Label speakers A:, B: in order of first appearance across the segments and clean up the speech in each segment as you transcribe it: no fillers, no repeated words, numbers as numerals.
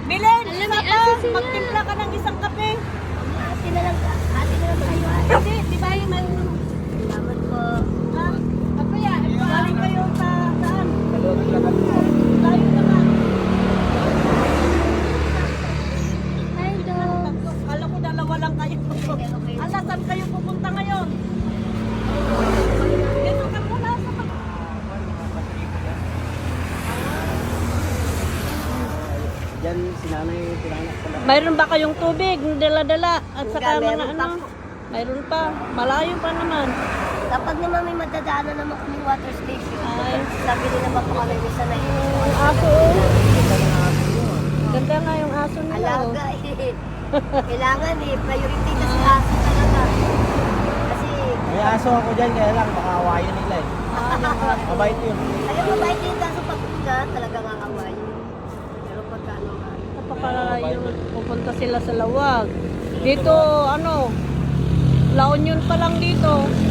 A: Bilen,
B: Alam,
A: isa
B: may
A: pa,
B: aso sila.
A: magtimpla ka ng isang kape.
C: Ate na lang tayo.
A: Hindi, di ba yung may...
C: Salamat po.
A: Ha? Ano yan? Galing kayo sa saan?
D: Dalawang lakad mo.
A: Layo naman.
B: Hi, dog.
A: Kala ko dalawa lang kayo. Ala, saan kayo pupunta ngayon? Dito ka muna sa
D: Diyan si nanay tinanak sa lakad.
A: Mayroon ba kayong tubig na dala-dala? At saka
C: Meron
A: mga
C: pa
A: ano?
C: po.
A: Mayroon pa. Malayo pa naman.
C: Kapag naman may madadaanan naman kami water station,
A: Ay.
C: sabi din naman po kami bisa na yun.
A: Yung aso, oh. Ganda nga yung aso nila, oh.
C: Alaga eh. Kailangan eh, priority na si aso talaga. Kasi,
D: May aso ako dyan, kaya lang baka awayan nila eh. Mabait yun.
C: ayaw mabait din kaso pag una, talaga kakaway. Pero pagka ano nga,
A: Napakalayo. Pupunta sila sa Lawag. Dito, ano, La Union pa lang dito.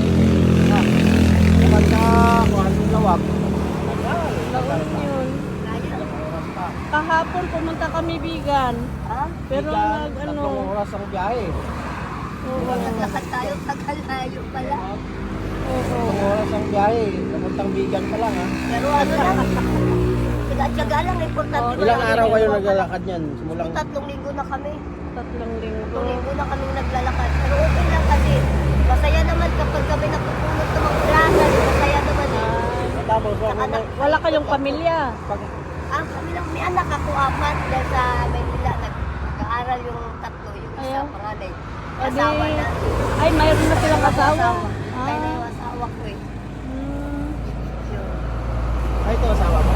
D: Kapag na kung anong lawag,
A: La Union.
C: kaya.
A: Kahapon pumunta kami Bigan.
C: Ha?
A: Pero nag, ano,
D: tatlong oras ang biyahe.
A: oo.
C: Naglakad tayo, tagalayo pala.
A: Oo.
D: Tatlong oras ang biyahe. Kamuntang bigan pa lang ha.
C: Pero ano lang, tiga-tiyaga lang, importante
A: Oh,
D: Ilang
C: malaki
D: araw
C: yung
D: kayo
C: mga-
D: naglalakad yan? Simulang
C: 3 linggo na kami.
A: 3 linggo.
C: 3 linggo na kami naglalakad. Pero okay lang kasi masaya naman kapag kami napupulot ng mga plaza. Masaya naman eh.
D: tapos
A: Wala kayong pamilya.
D: pag
C: Kami lang, may anak ako, 4 dahil sa Manila. Nag-aaral yung 3, yung isa
A: Ayaw.
C: panganay.
A: O di,
C: Asawa na.
A: ay, mayroon na silang asawa.
C: Kaya na
A: Ah.
C: yung asawa ko eh.
A: Hmm.
C: Yun.
D: ay ito asawa mo.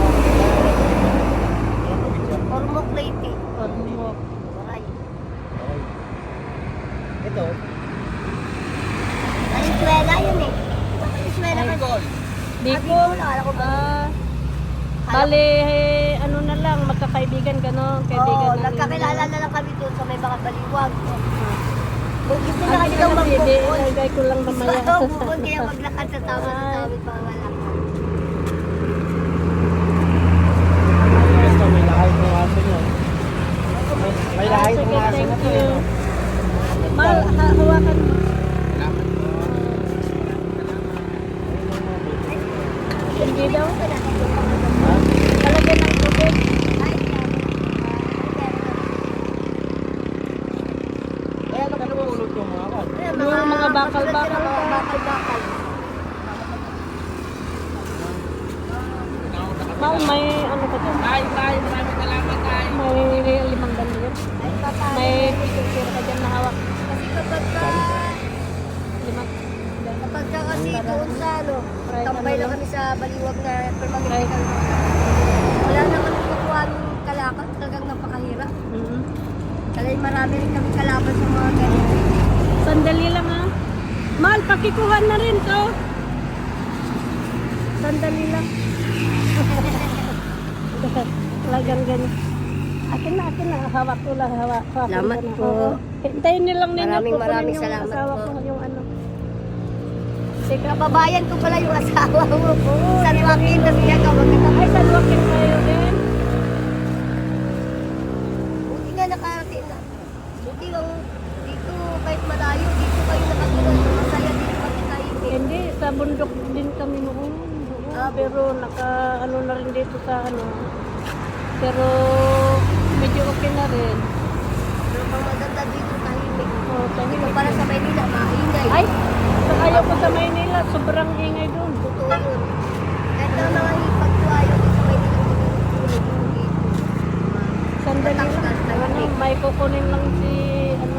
C: Ormoc Leyte.
A: Ormoc.
C: Maray.
D: Okay. Ito,
C: Sa eskwela yun eh. Sa eskwela ka.
A: Bicol.
C: Akala ko ba?
A: Bale, ano na lang, magkakaibigan gano'n. Kaibigan
C: Oo,
A: na rin.
C: nagkakilala na lang kami doon sa may mga baliwag. Kung gusto na
A: Ang
C: kasi daw
A: hindi,
C: magbukod.
A: ilagay ko lang mamaya.
C: Oo, bukod kaya maglakad sa tawid pangalakad.
D: ito may lahat ng aso niya. May lahat ng
A: Sige,
D: aso
A: thank
D: na to.
A: you.
D: eh.
A: Mahal, hawakan mo. Hindi daw.
D: Ha?
A: Talagyan ng tubig.
D: Kaya nakapulot yung mga kan.
A: Yung mga bakal-bakal.
C: Mga bakal-bakal.
A: Mahal, may ano ka dyan?
D: Maraming salamat tayo.
A: May 5 ganyan.
C: Ay, papa.
A: May picture ka dyan na hawak.
C: Kasi kapag ka,
A: 5.
C: kapag ka kasi doon sa ano, tambay lang kami sa baliwag na permanente. Wala na kami kukuha ng kalakad, talagang napakahirap. Dahil marami rin kami kalaban sa mga ganito.
A: Sandali lang ha. Mahal, pakikuha na rin to. Sandali lang. Talagang ganyan. Akin na. Hawak ko lang. Hawak
C: Salamat
A: ko na.
C: po.
A: Oo. Hintayin niyo lang ninyo.
C: Maraming
A: kukunin yung
C: salamat
A: asawa
C: po.
A: ko, yung ano. Sige.
C: Kababayan ko pala yung asawa mo.
A: Oo,
C: San Joaquin, tapos niya kawag ka.
A: Ay, salwakin kayo din.
C: Buti nga nakarating na. Buti nga dito kahit malayo, dito kayo nakatulog. Masaya dito kami tayo.
A: Hindi, sa bundok din kami noon. Oo, pero ano na rin dito sa ano. Pero medyo okay na rin.
C: Pero pang maganda dito tahimik.
A: Oh,
C: Dito
A: tahimik.
C: para sa Maynila, maingay.
A: Ay, sa ayaw ko sa Maynila, sobrang ingay doon.
C: Totoo yun. Kahit na mga ipagtuayo dito sa Maynila, tulog dito.
A: Sandali lang.
C: Mataktas,
A: Ano,
C: tahimik.
A: may kukunin lang si, ano.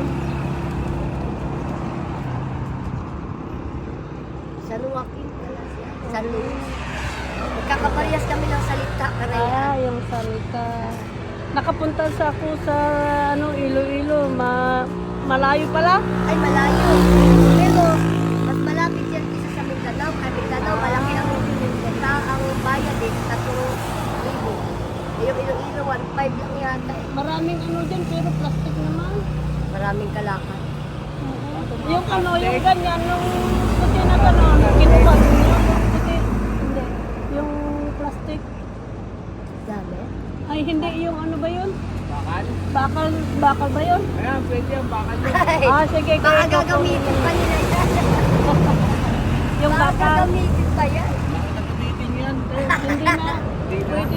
C: San Joaquin pala siya. San Luis. Magkakaparehas kami ng salita. Karaya.
A: Yung salita. Nakapunta sa ako sa, ano, Iloilo. Malayo pala.
C: Ay, malayo. Pero, mas malapit yan kisa sa Mindanao. Kaya Mindanao, malaki ang bayad eh. 3,000. Yung Iloilo, 1,500 lang yata eh.
A: Maraming ano dyan, pero plastic naman.
C: Maraming kalakad.
A: Yung ano, yung ganyan, yung puti na gano'n, kinubat. Yung puti, hindi. Yung plastic.
C: Dami.
A: Ay, hindi, yung ano ba yun? Bakal ba yun?
D: Ayan, pwede yan, bakal yun.
C: Ay,
A: Ah, sige.
C: baka
A: kaya
C: gagamitin pa nila yan.
A: Yung
C: Baka
A: bakal.
C: gagamitin pa yan.
D: Gagamitin yan.
A: Hindi na. Pwede.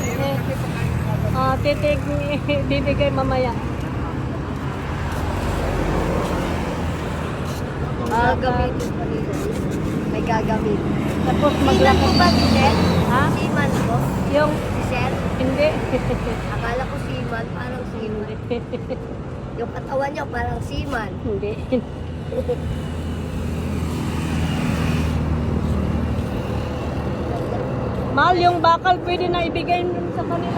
A: Titig, bibigay mamaya.
C: Gagamitin pa nila. May gagamitin.
A: Tapos
C: Siman
A: maglakad.
C: po ba si Sel?
A: Ha?
C: Siman po?
A: Yung,
C: Si Sel?
A: hindi.
C: Akala ko siman, parang siman. Yung katawan niya parang siman.
A: Hindi. Mahal, yung bakal pwede na ibigay nun sa kanila.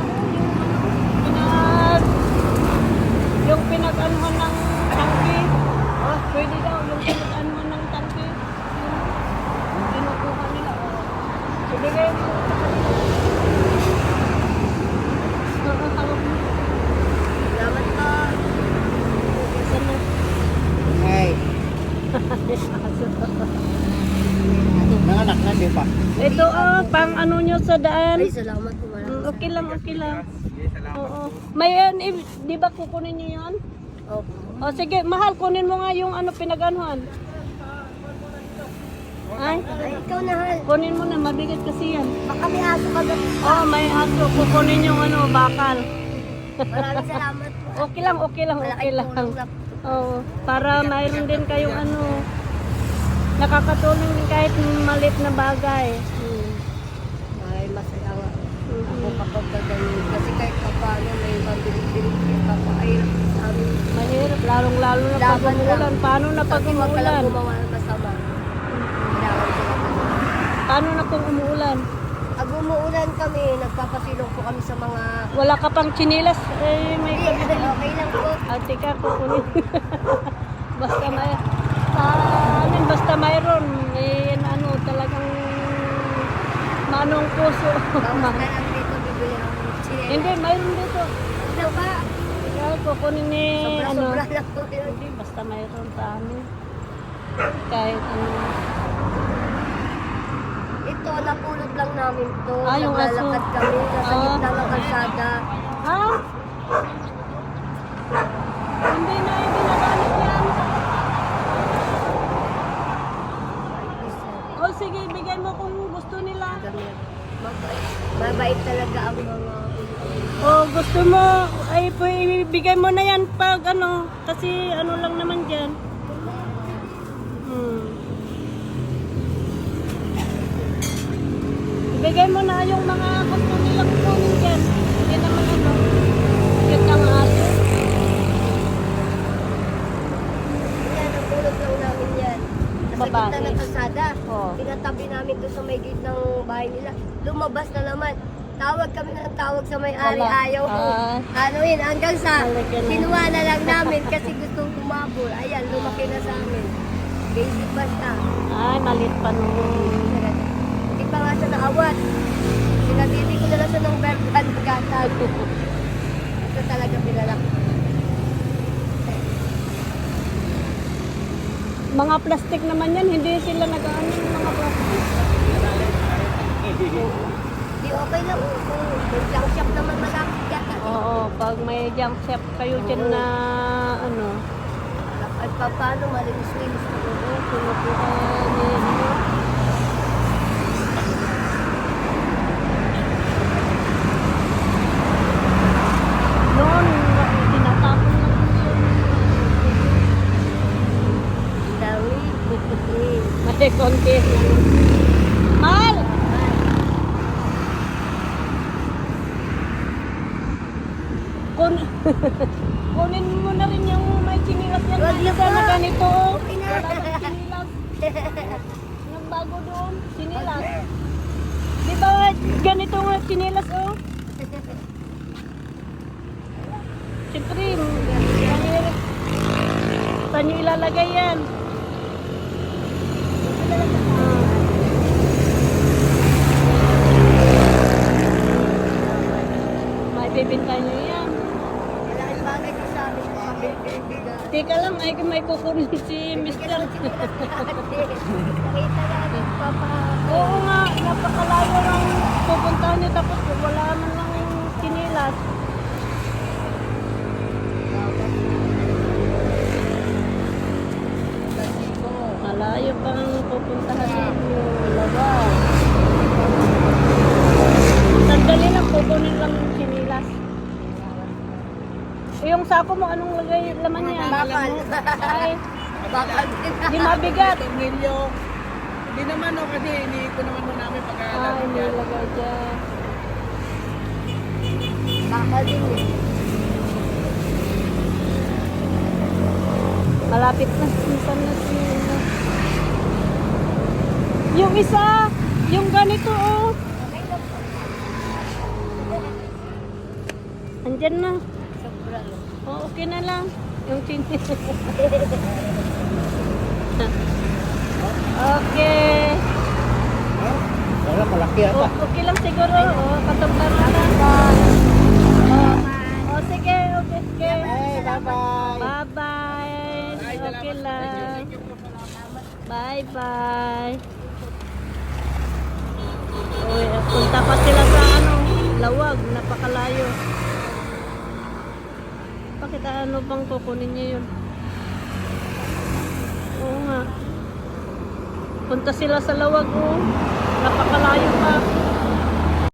A: Yung pinag-anuhan ng tangke. Oh, pwede daw yung pinag-anuhan ng tangke. Yung kinukuha nila. Oh. Ibigay mo sa kanila.
C: Salamat po.
A: Saan na?
D: Ay, nanganak na, di ba?
A: Ito pang ano nyo sa daan.
C: Ay, salamat po.
A: Okay lang, okay lang. Oo. May di ba kukunin nyo yan?
C: Opo.
A: O sige, mahal, kunin mo nga yung ano pinag-anuhan. Ay,
C: Ay, ikaw na, Hal.
A: kunin mo na, mabigat kasi yan.
C: Baka may aso ka ba?
A: Oh, may aso, kukunin yung ano, bakal.
C: Maraming salamat po.
A: Okay lang, okay lang, okay
C: Malaking
A: lang.
C: tulong na po.
A: Oo, para mayroon din kayong ano, nakakatulong din kahit maliit na bagay.
C: Ay, masaya nga. Ako
A: Mhm.
C: kapag gagaling. Kasi kahit pa paano may mabilis-bilis kapahirap sa amin.
A: Mahirap, lalong-lalo na pag
C: Laban lang.
A: umuulan. Paano na pag
C: Kasi wag ka lang
A: umuulan?
C: gumawa ng masama. Kailangan sila.
A: Paano na kung umuulan?
C: Pag umuulan kami, nagpapasilong po kami sa mga...
A: Wala ka pang chinilas, may
C: Hindi,
A: kabili.
C: okay lang po.
A: Ate ka, kukunin. Basta may, basta mayroon, ano, talagang manong puso.
C: Bawas na lang dito, bibili ako ng chinelas.
A: Hindi, mayroon dito.
C: Ano ba?
A: Kaya kukunin ni, ano,
C: Sobra-sobra lang po yun.
A: hindi, basta mayroon sa amin. Kahit ano.
C: Ito, napulot lang namin to.
A: Ah, yung aso.
C: Naglalakad kami, nasa
A: Ah.
C: gitna ng kalsada.
A: Ha? Hindi na ginagamit yan. O sige, bigyan mo kung gusto nila.
C: Mabait talaga ang mga...
A: O gusto mo, ay ibigay mo na yan pag ano, kasi ano lang naman dyan. Ibigay mo na yung mga gusto nila kukunin dyan. Hindi naman ano, cute ang aso.
C: Yan, napulot lang namin yan. Nasa
A: Babae.
C: gitna ng kalsada.
A: Oo.
C: Pinatabi namin doon sa may gate ng bahay nila. Lumabas na naman. Tawag kami ng tawag sa may-ari.
A: Wala.
C: Ayaw po.
A: Ah.
C: Ano yun, hanggang sa
A: Talaga na.
C: kinuha na lang namin kasi gustong umabol. Ayan, lumaki na sa amin. Basic basta.
A: Ay, malit pa nung.
C: Hindi pa nga siya naawat. Sinabili ko na lang siya ng berkan gatag. Ito talaga pinalak.
A: Mga plastic naman yan, hindi sila nag-ano ng mga plastic.
C: Di okay lang. Kung junk shop naman malapit yata.
A: Oo, pag may junk shop kayo dyan na ano,
C: At paano malinis-linis na
A: oo, kinukuha ni ano. Noon, tinatapon lang yun.
C: Dawi.
A: May konti. Mahal! Kun kunin mo na rin yung may chinilas yan.
C: Wag na
A: Isa na
C: po.
A: ganito.
C: Okay na.
A: Wala bang chinilas? Yung bago doon, chinilas. Di ba ganito nga chinilas oh? Siyempre, mahirap. Saan nyo ilalagay yan? May bibinta nyo yan.
C: Malaking bagay ko sa amin. Pabibigay.
A: Teka lang, ay may kukunin si Mr.
C: Nakita namin, papa.
A: Oo nga, napakalayo lang pupuntahan nyo tapos wala man lang yung chinilas. Yung sako mo, anong lagay laman niya?
C: Bakal.
A: Ay,
C: Bakal.
A: di mabigat.
E: Tornilyo. Hindi naman no, kasi iniiko naman mo namin
A: Ah,
E: pag-aaral.
A: inilagay dyan.
C: Bakal din eh.
A: Malapit na. Minsan na sila. Yung isa, yung ganito oh. Andyan na.
C: Sobra lang.
A: Oh, okay na lang. Yung chinchin. Okay.
D: Wala, malaki ata.
A: Okay lang siguro. Oh, katumbar na lang. Oh, sige. Okay.
D: Hey, bye-bye.
A: Bye-bye. Okay lang. Bye-bye. Uy, punta pa sila sa lawag. Napakalayo. Bakit ano bang kukunin niya yun? Oo nga. Punta sila sa lawag, oh. Napakalayo pa.